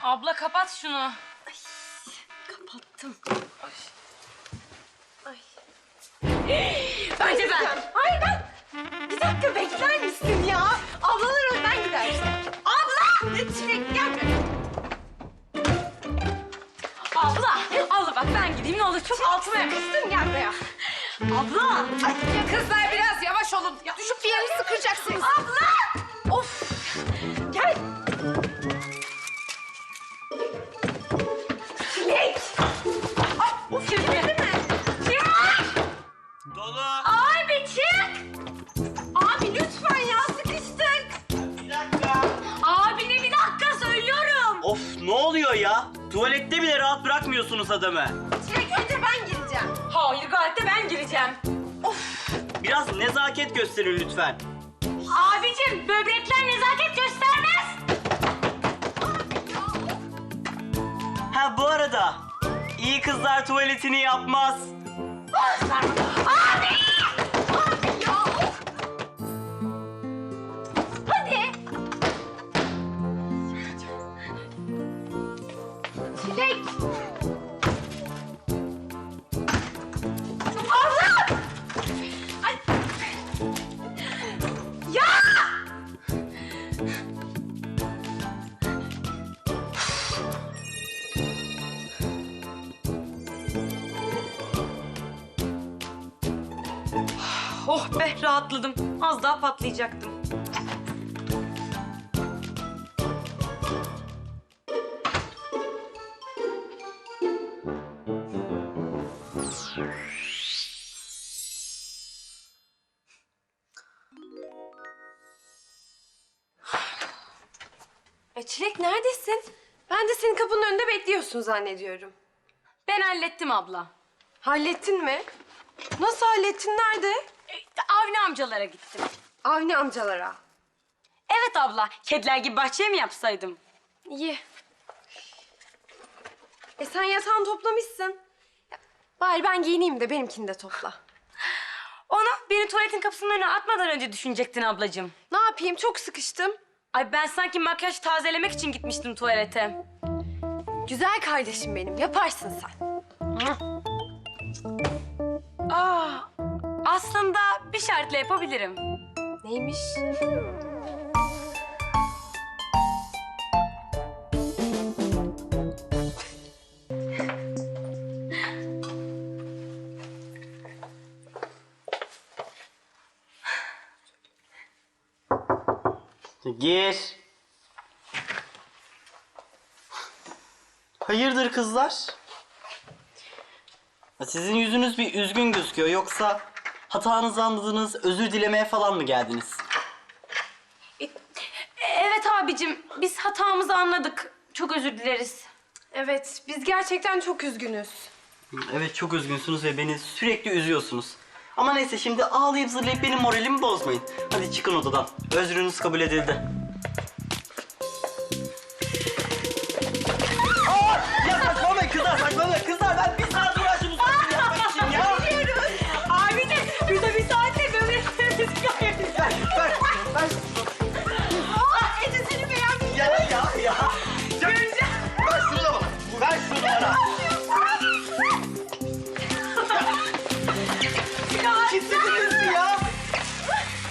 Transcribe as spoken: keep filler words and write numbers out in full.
Abla kapat şunu. Ay, kapattım. Ay. Ay. Bence ben. Hayır ben. Bir dakika bekler misin ya? Ablalar önden gider. Abla! Çilek gel buraya. Abla, abla bak ben gideyim ne olur çok altıma yakıştın Gel buraya. Abla. Ay ya kızlar biraz yavaş olun. Ya, düşüp bir yerinizi kıracaksınız. Abla! Of! Gel. Çilek! Ay, of çevirdi mi? Çilek! Dolu. Abi çık! Abi lütfen ya sıkıştık. Bir dakika. Abine bir dakika söylüyorum. Of ne oluyor ya? Tuvalette bile rahat bırakmıyorsunuz adamı. Çilek önce ben gireceğim. Hayır gayet de ben gireceğim. Biraz nezaket gösterin lütfen. Abicim böbrekler nezaket göstermez. Ha bu arada iyi kızlar tuvaletini yapmaz. Abi! Abi ya of! Hadi! Çilek! Allah! Ay! Ya! Oh be rahatladım. Az daha patlayacaktım. E Çilek neredesin? Ben de senin kapının önünde bekliyorsun zannediyorum. Ben hallettim abla. Hallettin mi? Nasıl hallettin? Nerede? E, Avni amcalara gittim. Avni amcalara. Evet abla. Kediler gibi bahçeye mi yapsaydım? İyi. E sen yatağını toplamışsın. Ya, bari ben giyineyim de benimkini de topla. Onu beni tuvaletin kapısının önüne atmadan önce düşünecektin ablacığım. Ne yapayım? Çok sıkıştım. Ay ben sanki makyaj tazelemek için gitmiştim tuvalete. Güzel kardeşim benim. Yaparsın sen. Aa, aslında bir şartla yapabilirim. Neymiş? Gir. Hayırdır kızlar? Sizin yüzünüz bir üzgün gözüküyor. Yoksa hatanızı anladınız, özür dilemeye falan mı geldiniz? E, Evet abicim, biz hatamızı anladık. Çok özür dileriz. Evet, biz gerçekten çok üzgünüz. Evet çok üzgünsünüz ve beni sürekli üzüyorsunuz. Ama neyse şimdi ağlayıp zırlayıp benim moralimi bozmayın. Hadi çıkın odadan. Özrünüz kabul edildi. Aa! Ya saçmalamayın kızlar saçmalamayın. Kızlar ben bir saat uğraştım uzaklığı yapmak için ya. Abicim, burada bir saatte böbreklerimiz Ver, ver, ver. Aa, Ece seni beğenmiş. Ya, ya, ya. Göreceğim. Ver şunu da bana. Ver şunu bana. Kimse